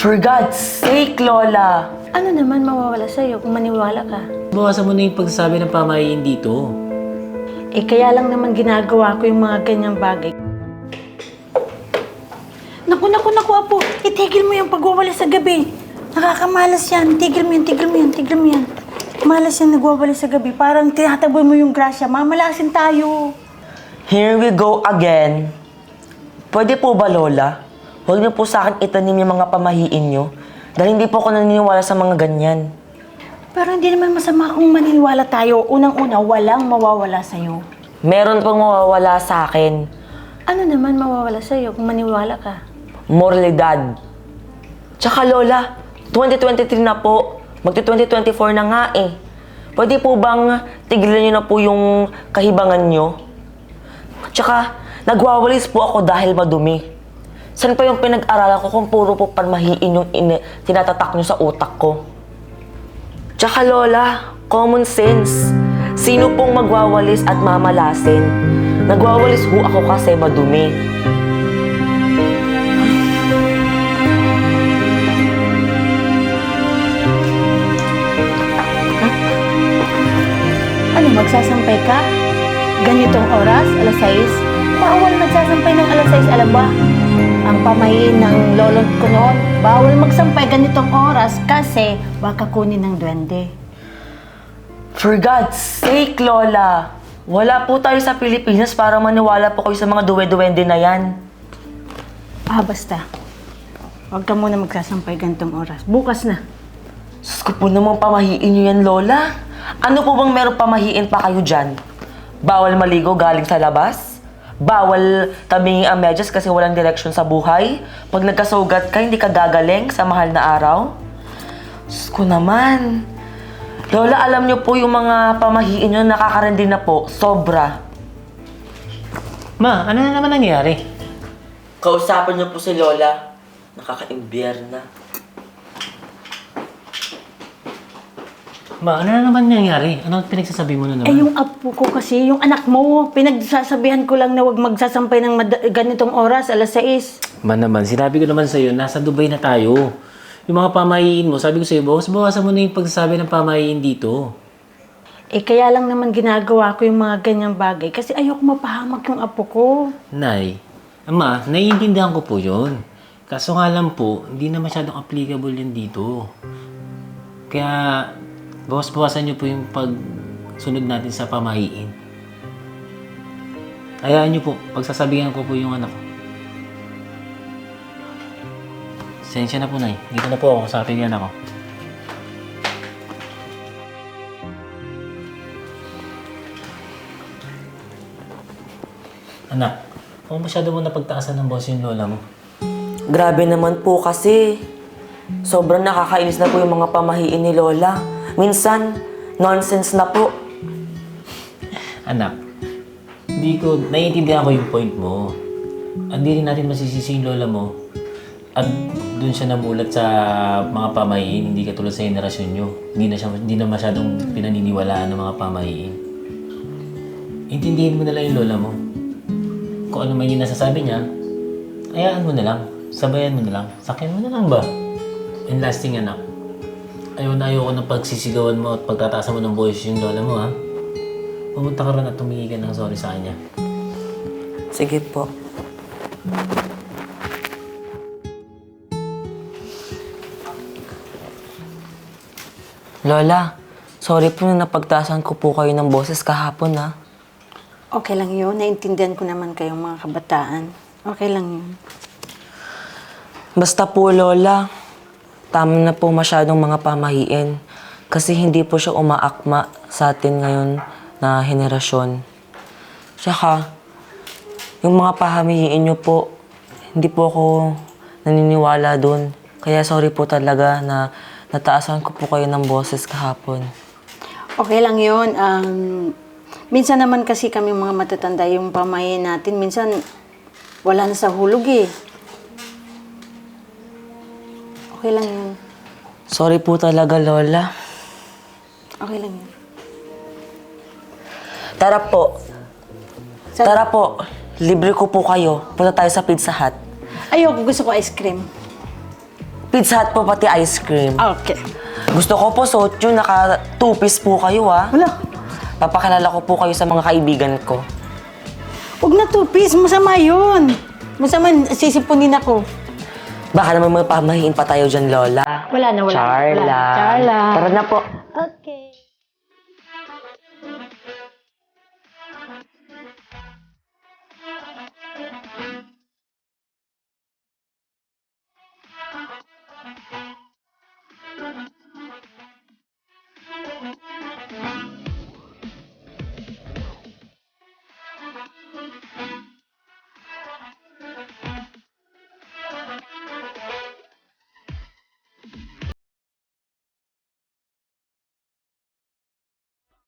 For God's sake, Lola! Ano naman mawawala sa'yo kung maniwala ka? Bawasan mo na yung pagsasabi ng pamahiin dito. Eh kaya lang naman ginagawa ko yung mga ganyang bagay. Naku, Apo! Itigil mo yung pagwawala sa gabi. Nakakamalas yan. Tigil mo yan. Malas yan nagwawala sa gabi. Parang tinataboy mo yung grasya. Mamalasin tayo. Here we go again. Pwede po ba, Lola? Huwag niyo po sa akin itanim yung mga pamahiin niyo. Dahil hindi po ako naniniwala sa mga ganyan. Pero hindi naman masama kung maniniwala tayo. Unang-una, walang mawawala sa'yo. Meron pong mawawala sa akin. Ano naman mawawala sa'yo kung maniwala ka? Moralidad. Tsaka, Lola, 2023 na po. Magti-2024 na nga eh. Pwede po bang tigilan niyo na po yung kahibangan niyo? Tsaka, nagwawalis po ako dahil madumi. Saan pa yung pinag-aralan ko kung puro po panmahiin yung tinatatak niyo sa utak ko? Tsaka, Lola, common sense. Sino pong magwawalis at mamalasin? Nagwawalis ho ako kasi madumi. Ano, magsasampay ka? Ganitong oras, alas 6? Bawal magsasampay ng alas 6, alam ba? Ang pamahiin ng lolot ko noon, bawal magsampay ganitong oras kasi baka kunin ng duwende. For God's sake, Lola! Wala po tayo sa Pilipinas para maniwala po kayo sa mga duwe-duwende na yan. Basta. Huwag ka muna magsasampay ganitong oras. Bukas na. Sus ko po namang pamahiin niyo yan, Lola. Ano po bang meron pamahiin pa kayo dyan? Bawal maligo galing sa labas? Bawal tabingin ang medyas kasi walang direksyon sa buhay? Pag nagkasugat ka, hindi ka gagaling sa mahal na araw? Sus ko naman. Lola, alam niyo po yung mga pamahiin niyo nakakarindi na po. Sobra. Ma, ano na naman nangyari? Kausapin niyo po si Lola. Nakaka-imbyerna. Ma, ano na naman nangyari? Ano pinagsasabi mo na naman? Eh, yung apo ko kasi, yung anak mo, pinagsasabihan ko lang na huwag magsasampay ng ganitong oras, alas 6. Ma naman, sinabi ko naman sa'yo, nasa Dubai na tayo. Yung mga pamahiin mo, sabi ko sa'yo, bawasan mo na yung pagsasabi ng pamahiin dito. Eh, kaya lang naman ginagawa ko yung mga ganyang bagay kasi ayoko mapahamak yung apo ko. Nay, Ama, naiintindihan ko po yun. Kaso nga lang po, hindi na masyadong applicable yun dito. Kaya, bawasan niyo po yung pagsunod natin sa pamahiin. Hayaan niyo po, pagsasabihan ko po yung anak ko. Sensya na po, Nay. Dito na po ako sa ating anak ko. Anak, kung masyado mo napagtaasan ng boss yung lola mo. Grabe naman po kasi. Sobrang nakakainis na po yung mga pamahiin ni Lola. Minsan, nonsense na po. Anak, naiintindihan ko yung point mo. Hindi rin natin masisisi yung lola mo. At doon siya namulat sa mga pamahiin, hindi katulad sa henerasyon nyo. Hindi na masyadong pinaniniwalaan ng mga pamahiin. Intindihin mo na lang yung lola mo. Kung ano man yung nasasabi niya, hayaan mo na lang. Sabayan mo na lang. Sakyan mo na lang ba? And lasting, anak. Ayoko ng pagsisigawan mo at pagtataasan mo ng boses yung lola mo, ha? Pumunta ka rin at tumingin ka ng sorry sa kanya. Sige po. Lola, sorry po na napagtasan ko po kayo ng boses kahapon, ha? Okay lang yun. Naintindihan ko naman kayong mga kabataan. Okay lang yun. Basta po, Lola, tama na po masyadong mga pamahiin kasi hindi po siya umaakma sa atin ngayon na henerasyon. Tsaka, yung mga pahamiin niyo po, hindi po ako naniniwala dun. Kaya sorry po talaga na nataasan ko po kayo ng boses kahapon. Okay lang yun. Minsan naman kasi kami mga matatanda yung pamahiin natin. Minsan, wala na sa hulog eh. Okay lang yun. Sorry po talaga, Lola. Okay lang yun. Tara po. Tara po. Libre ko po kayo. Punta tayo sa Pizza Hut. Ayoko, gusto ko ice cream. Pizza Hut po pati ice cream. Okay. Gusto ko po, Sotyo, naka 2-piece po kayo Wala. Papakilala ko po kayo sa mga kaibigan ko. Huwag na 2-piece. Masama yun. Masama, sisipunin ako. Baka naman may pamahiin pa tayo dyan, Lola. Wala na, wala. Char Wala. lang. Char lang. Tara na po. Okay.